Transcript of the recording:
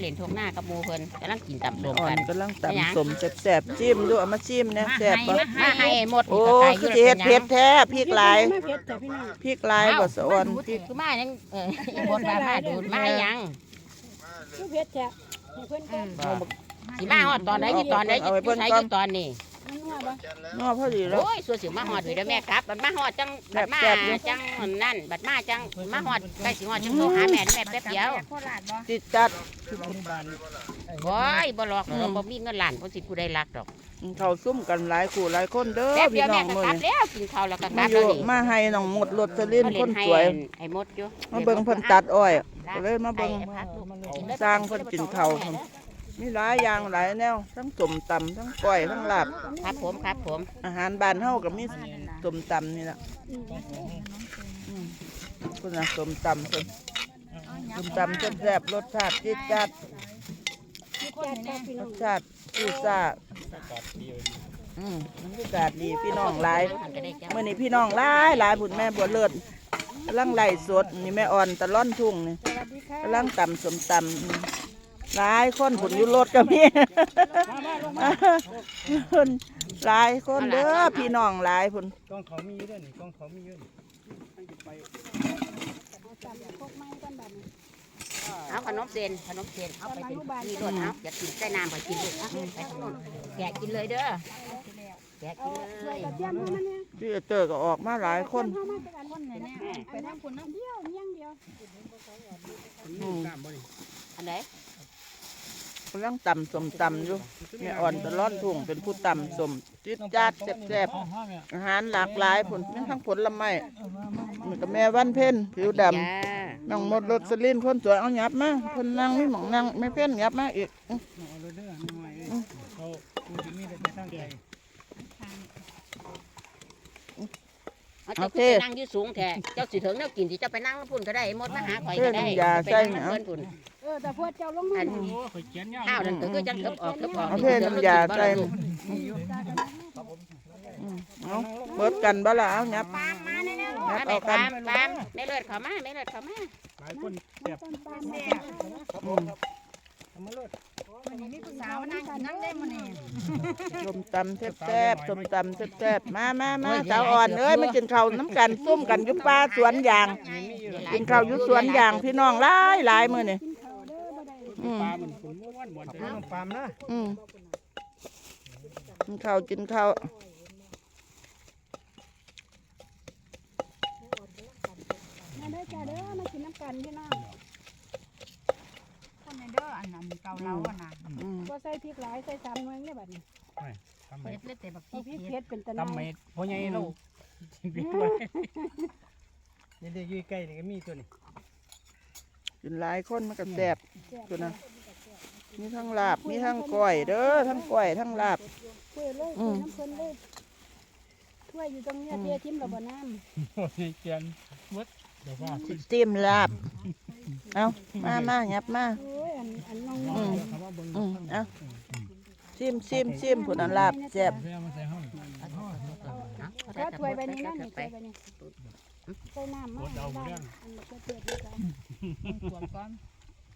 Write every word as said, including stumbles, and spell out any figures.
ล่นทงหน้ากับหมู่เพิ่นกำลังกินตำส้มอ่อกัน นกำลังตำสมแซ่บๆจิ้มดูเอามาจิ้มนะแซ่บบ่มาให้หมดโอ้นี่คือก็สิไก่เฮ็ดเผ็ดแท้พริกหลายไม่เผ็ดแต่พี่น้องพริกหลายบ่สะอ่อนพริกคือมายังเอออีบดมามาดูมายังคือเผ็ดแท้ให้เพิ่นก่อนสิมาฮอดตอนไหนอยู่ตอนไหนอยู่ใช้อยู่ตอนนี้มันนัวบ่นัวพอดีแล้วโอ้ยสัวสิมาฮอดอยู่เด้อแม่ครับบัดมาฮอดจังบัดมาจังนั่นบัดมาจังมาฮอดใกล้สิฮอดจังโทรหาแม่แม่แป๊บเดียวติดจัดโอ้ยบ่หลอกเราบ่มีเงินล้านบ่สิผู้ใดรักดอกเขาซุ่มกันหลายคู่หลายคนเด้อแป๊บเดีพี่ยวน้แม่องก็มื้อกลับนี้แล้วกินข้าวแล้วก็กมาลับอแล้วยู่นี่มาให้น้องหมดรถสลินคนสวยไอ้มดอยู่มาเบิ่งเพิ่นตัดอ้อยก็เลยมาเบิ่ง สร้างเพิ่นกินข้าว มีหลายอย่างหลายแนวทั้งส้มตำทั้งก้อยทั้งลาบครับผมครับผมอาหารบ้านเฮาก็มีส้มตำนี่ล่ะอืมคุณน่ะส้มตำเพิ่นส้มตำแซ่บๆรสชาติจี๊ดจ๊าดจัดค่ะพี่รน้องสชาติซูซ่าอืมมันก็กาดดีพี่น้องหลายมื้อนี้พี่น้องหลายหลายพุ่นแม่บัวเลิศกำลังไล่สดนี่แม่อ่อนตะล่อนทุ่งนี่สวัสดีค่ะกำลังตำส้มตำอืมหลายคนผุนอยู่รถก็มี เพิ่นหลายคนเด้อพี่น้องหลายผุนกล้องเขามีอยู่ด้วยนี่กล้องเขามีอยู่นี่ไปเอาจับพวกไม้กันบัดนี้เอาขนมเส้นขนมเส้นเอาไปเป็นนี่รถเอาอยากกินใส่น้ำไปกินลูกเอาไปทางโน้นแกะกินเลยเด้อแกะเอากินเลถ้วยยกระเทียมให้มันเนี่ยพี่เตอร์ก็ออกมาหลายคนเข้ามาเป็นอันคนไหนแน่ไปทางคนน้ำเดียวเมี่ยงเดียวอืมกล้ามบ่นี่อันไหนกำลังตำส้มตำอยู่แม่อ่อนตะล่อนทุ่งเป็นผู้ตำส้มจิดจัดแซ่บๆอาหารหลากหลายผลมีทั้งผลไม้มีกับแม่วันเพ็ญผิวดำจ้าน้องหมดรถสลินคนสวยเอาหยับมาคนนั่งมีหมองนั่งไม่เพ่นหยับมาอีกอื้อเอาเลยเด้อหน่อยเขาดูที่นี่ได้ตั้งใจเอาเจ้าไปนั่งอยู่สูงแท้เจ้าสิถึงแนวกินสิเจ้าไปนั่งพุ่นก็ได้หมดมาหาข่อยก็ได้ไปนั่งเพิ่นพุ่นเออแต่พวกเจ้าลงมาอันโอ้ข่อยเขียนยาวข้าวนั่นก็จังเก็บออกเก็บออกเอาเพ่น้ำยาใส่อืมเอาเบิดกันบ่ล่ะเอาหยับมาหยับแม่เอากัปาน มปามไม่เลือดเข้ามาไม่เลือดเข้ามาหลายคนแซ่บต้นปาล์มอืมทำมาเลยสาวนั่งกินน้ำได้มื้อนี้ส้มตำแซ่บๆส้มตำแซ่บๆมามามาสาวอ่อนเอ้ยมากินข้าวน้ำกันซุ่มกันอยู่ป่าสวนยางกินข้าวอยู่สวนยางพี่น้องหลายหลายมื้อนี่กินข้าวเด้อบ่ได้อืมปลาเหมือนคนม้วนบ่อนใจน้องปามนะอืมกินข้าวกินข้าวมาเด้อจ้าเด้อมากินน้ำกันพี่น้องคนในเด้ออันนั้นเกาเหลาอ่ะนะอืมบ่ใส่พริกหลายใส่สามหน่วยเนี่ยบัดนี้ทำไมเผ็ดเลยแต่บักพเอาริกพริกเผ็เผ็ดดเป็นตะทำนายไมพ่อใหญ่เราจริงๆด้วยนี่เด็กอยู่ใกล้นี่ก็มีตัวนี้กินหลายคนมันก็แซ่บตัวนะมีทั้งลาบมีทั้งก้อยเด้อทั้งก้อยทั้งลาบเพื่อเลยอืเพื่อมน้ำเพิ่นเลยถ้วยอยู่ตรงเนี้ยเททิมระบ่น้ำโอ้ยเขียนมดเดี๋ยวว่าขึ้นจิ้มลาบเอามามาหยับมาโอ้ยอันอันน้องอืมคำว่าเบิ่งอืมเอาชิมชิมชิมผลอันลาบแซ่บเพื่อมาใส่ห้องๆถ้าถ้วยใบนี้นั่นนี่ถ้วยใบนี้ใส่น้ำมาดเอาเรื่องอันนี้ก็เผ็ดด้วยกันขวดก้อน